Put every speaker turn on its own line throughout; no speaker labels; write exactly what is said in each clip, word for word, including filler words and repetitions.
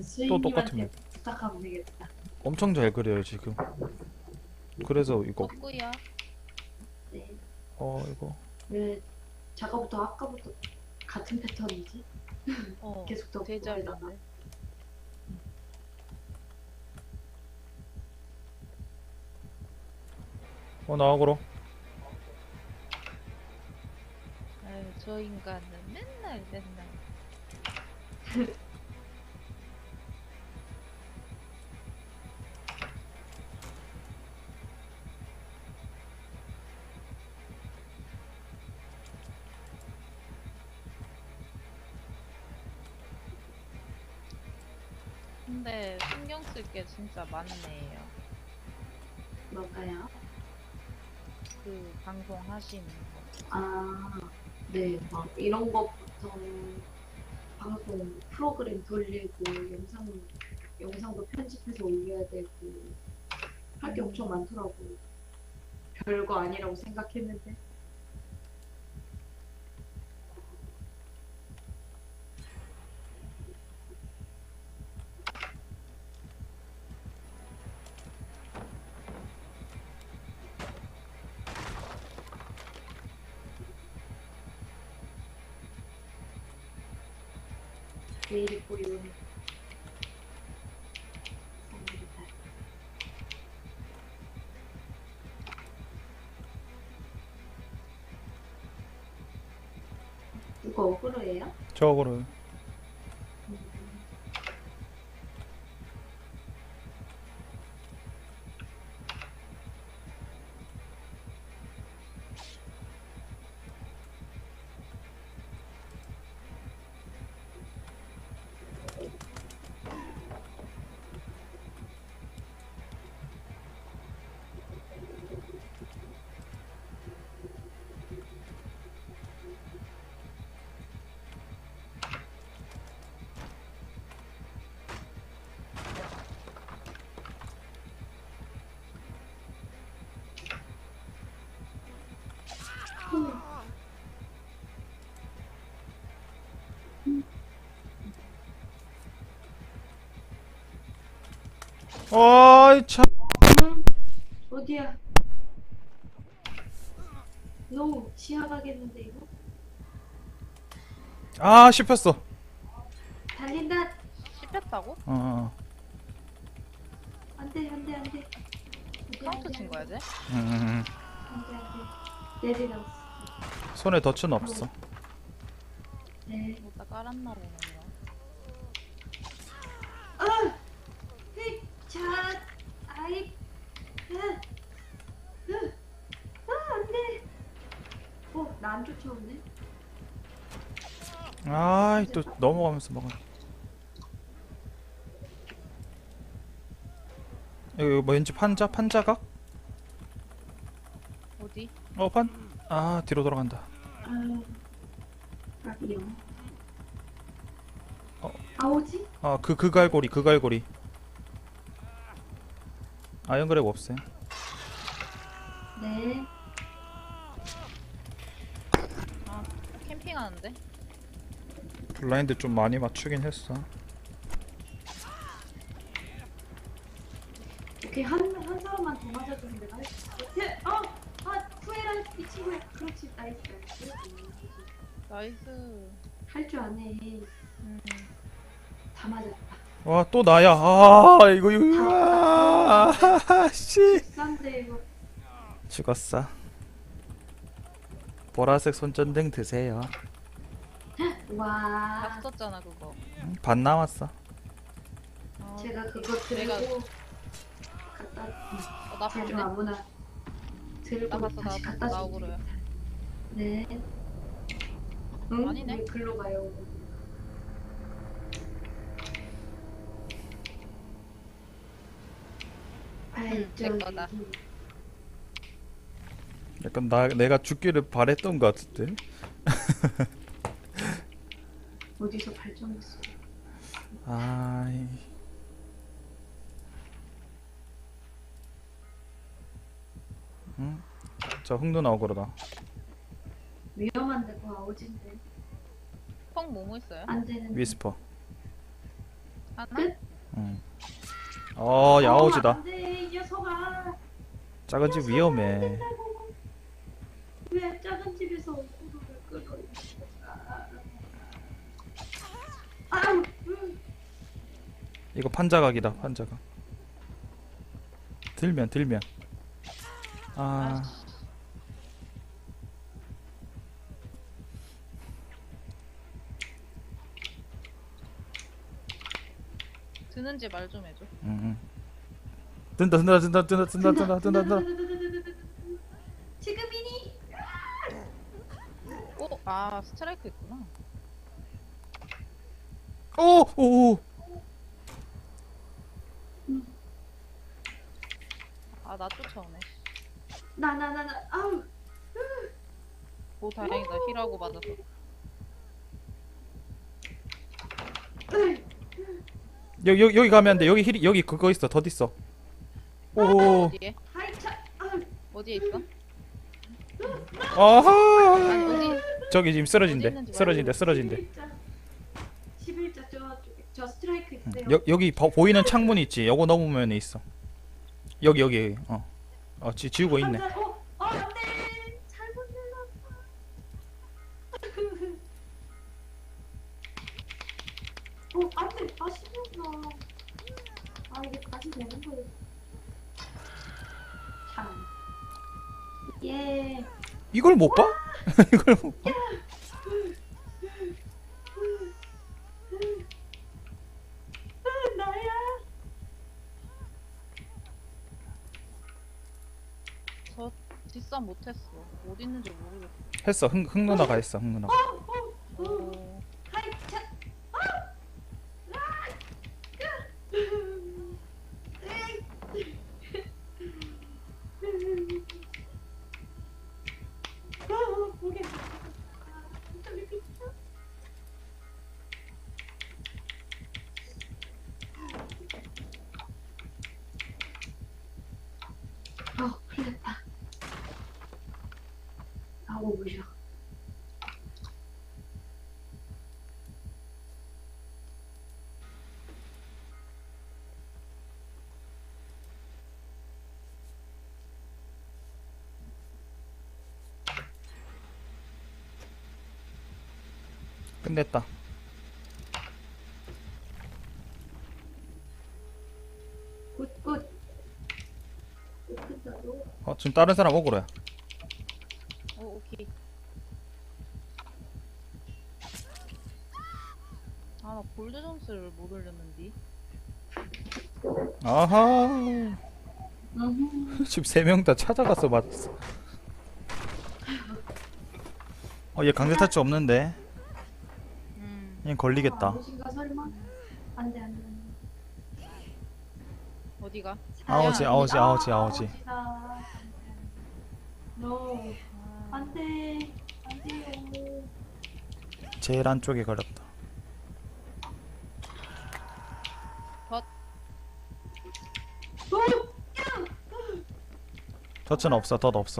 수인님한테
똑같으면.
부탁하면 되겠다.
엄청 잘 그려요 지금. 그래서 이거
덕구야.
네.
어 이거
왜 작가부터 아까부터 같은 패턴이지?
어.
계속 더
되게 잘
보이다가.
봤네.
어 나와보러.
아유, 저 인간은 맨날 맨날. 근데 신경 쓸 게 진짜 많네요.
뭔가요?
그 방송 하시는 거.
아, 네. 막 이런 것부터 방송 프로그램 돌리고 영상 영상도 편집해서 올려야 되고 할 게 엄청 많더라고. 별거 아니라고 생각했는데. 내일이 꼬리 오네. 생일이다. 누가 억울해요?
저거를 어이 참.
응? 어디야? 너 시야가겠는데 이거?
아 씹혔어.
달린다.
씹혔다고?
어, 어.
안돼 안돼 안돼.
카운트 친 거야, 쟤?
음,
안돼 안돼. 내리라고.
손에 덫은 없어.
네.
뭐다 깔았나 보네요.
아! 휘! 자! 아이! 으! 으! 아, 안 돼! 어, 나 안 쫓아오네?
아이 또 넘어가면서 먹어. 이거 뭐 왠지 판자? 판자각?
어디?
어 판? 아 뒤로 돌아간다.
아, 아니요.
어.
아, 오지?
아 그 그 갈고리 그 갈고리. 아이언그랩 없어요.
네.
아, 캠핑하는데?
블라인드 좀 많이 맞추긴 했어.
오케이, 한, 한 사람만 더 맞아주면 내가 할 수 있어. 예! 어! 아, 투에라, 이 친구야. 그렇지, 나이스.
나이스.
할 줄 아네.
음.
다 맞았다.
와 또 나야. 아 이거 이거. 아, 씨.
싼데, 이거.
죽었어. 보라색 손전등 드세요.
다
와.
썼잖아, 그거.
음, 반 남았어.
아,
제가 그거 들고
내가-
갖다
어, 나
제가
봤네.
아무나 들고
나 봤어,
다시
나
갖다
봤어,
주면
나오고로요.
되겠다. 네. 응?
아니네.
왜 글로 가요?
응, 내 거다.
약간 나 내가 죽기를 바랬던 것 같은데.
어디서 발전했어?
아이. 응? 저 흑누 나오고 그러다.
위험한데 그거 아오진데
펑 뭐뭐 있어요?
안 되는.
위스퍼.
하나?
끝?
응. 어 야오지다.
안돼 이 녀석아.
작은 집 위험해.
왜 작은 집에서 구름을 끌어? 아, 아, 음.
이거 판자각이다 판자각. 들면 들면. 아
드는지 말 좀 해줘.
응, 응. 든다 든다 든다 든다 든다 든다 든다 든다.
지금이니?
오! 아 스트라이크 있구나.
오오오.
아 나 쫓아오네.
나 나 나 나 아우.
오 다행이다. 힐하고 맞아서.
여기 여기 여기 가면 안 돼. 여기 힐이 여기 그거 있어. 덧 있어. 오.
어디에?
하이차. 아우.
어디에 있어?
아하.
아니 어디?
저기 지금
어디
쓰러진대.
있는지
쓰러진대. 쓰러진대.
십일자. 십일자 저쪽에 저 스트라이크 있어요.
여, 여기 보, 보이는 창문 있지. 요거 넘으면 있어. 여기 여기. 어. 어 지, 지우고 있네.
한자- 어, 어 안돼. 잘못 눌렀어. 어 안돼. 아쉽구나. 아 이게 다시 되는 거예요. 참. 예.
이걸 못 봐? 이걸 못 봐?
나야.
저 뒷싸움 못했어. 어디 있는지 모르겠어.
했어. 흥, 흥 누나가 했어. 흥 누나가.
어, 어, 어.
오.
하이차. 아! 아! 아, 모르겠어. 아, 떨리겠다. 어, 풀렸다. 아우, 무셔.
끝냈다.
굿, 굿. 굿, 굿,
어 지금 다른 사람 오그로야.
오 오케이. 아 나 골드 점수를 못 올렸는데.
아하.
음.
지금 세 명 다 찾아가서 맞았어. 어얘 강제 타치 없는데.
음
얘 걸리겠다.
아웃인가 설마? 안돼 안돼 안돼.
어디가?
아웃이 아웃이 아웃이 아웃이.
노
아,
안돼 안돼요.
제일 안쪽에 걸렸다.
오!
터치는 없어. 덧 없어.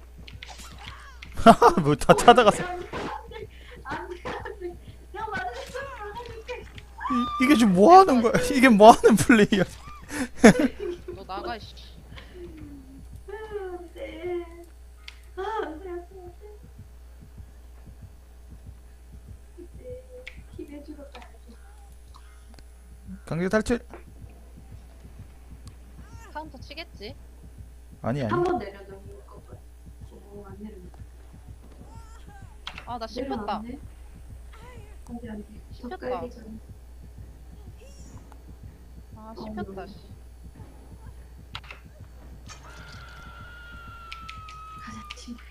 뭐 다 찾아갔어.
안돼 안돼 안돼. 내가 맞았어. 막아줄게.
이, 이게 지금 뭐 하는 거야? 이게 뭐 하는 플레이야?
너 나가 씨.
안돼. 아 안돼 안돼 안돼. 이제 기대주러 가야지.
강제 탈출?
카운터 치겠지?
아니 아니.
한 번 내려도 이길 것 같아. 오, 안 내려.
아 나 씹혔다.
내려놨네. 안돼 안돼. 더
씹혔다.
깔기 전에.
아 씹혔다 씨.
가자 친구.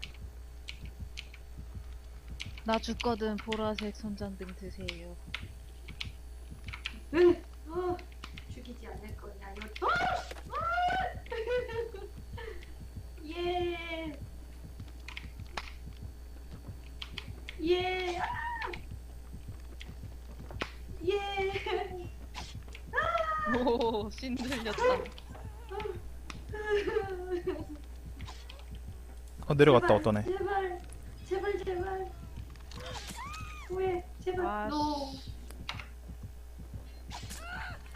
나 죽거든 보라색 손전등 드세요.
응. 어, 죽이지 않을 거냐 이거. 어! 어! 예. 예. 아! 예.
오 신들렸다.
어 내려갔다
제발,
어떤 애.
제발. 제발 제발. 왜? 제발.
아,
너.
씨.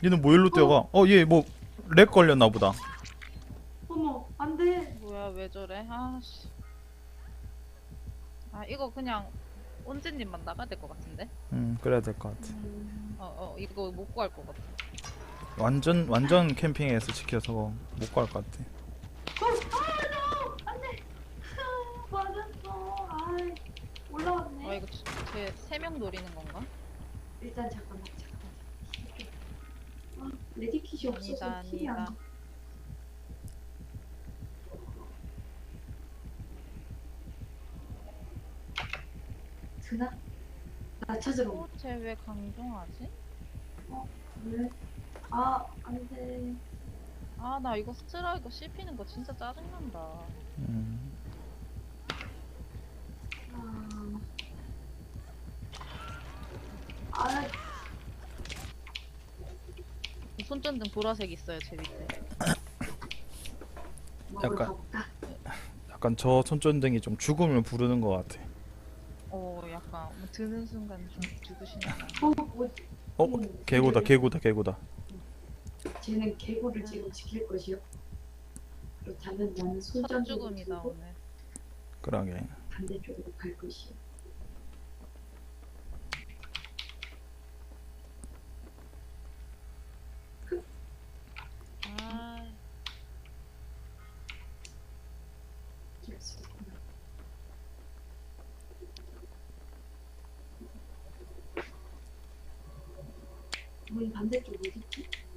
얘는 뭐 일로 뛰어가? 어, 얘 뭐 렉 걸렸나 보다.
어머, 안 돼.
뭐야 왜 저래? 아씨. 아 이거 그냥 온재님만 나가야 될 것 같은데?
음, 그래야 될 것 같아.
어어 이거 못 구할 것 같아.
완전 완전 캠핑에서 지켜서 못 갈 것 같아.
어, 아, 너! 안 돼. 아, 맞았어. 아이, 올라왔네.
아 이거 제 세 명 노리는 건가?
일단 잠깐만, 잠깐만. 아, 레디킷이 없어서
아니다
킬이 안
아니다.
돼. 드나? 나 찾으러 온
어쟤왜 강종하지?
왜? 아, 안 돼.
아 나 이거 스트라이크 씹히는 거 진짜 짜증난다.
음.
아, 아,
손전등 보라색 있어요 제 밑에.
먹을
약간.
거 없다.
약간 저 손전등이 좀 죽음을 부르는 것 같아.
어 약간 뭐 드는 순간 좀 죽으시나 봐.
어, 뭐,
어,
음,
개구다,
쟤는-
개구다, 개구다.
쟤는 개구를 지금 지킬 것이요. 그렇다면 나는
첫
손전등을
죽음이다
들고
오늘.
그러게.
반대쪽으로 갈 것이요.
아
어쩔 수 없구나. 문 반대쪽 어디지?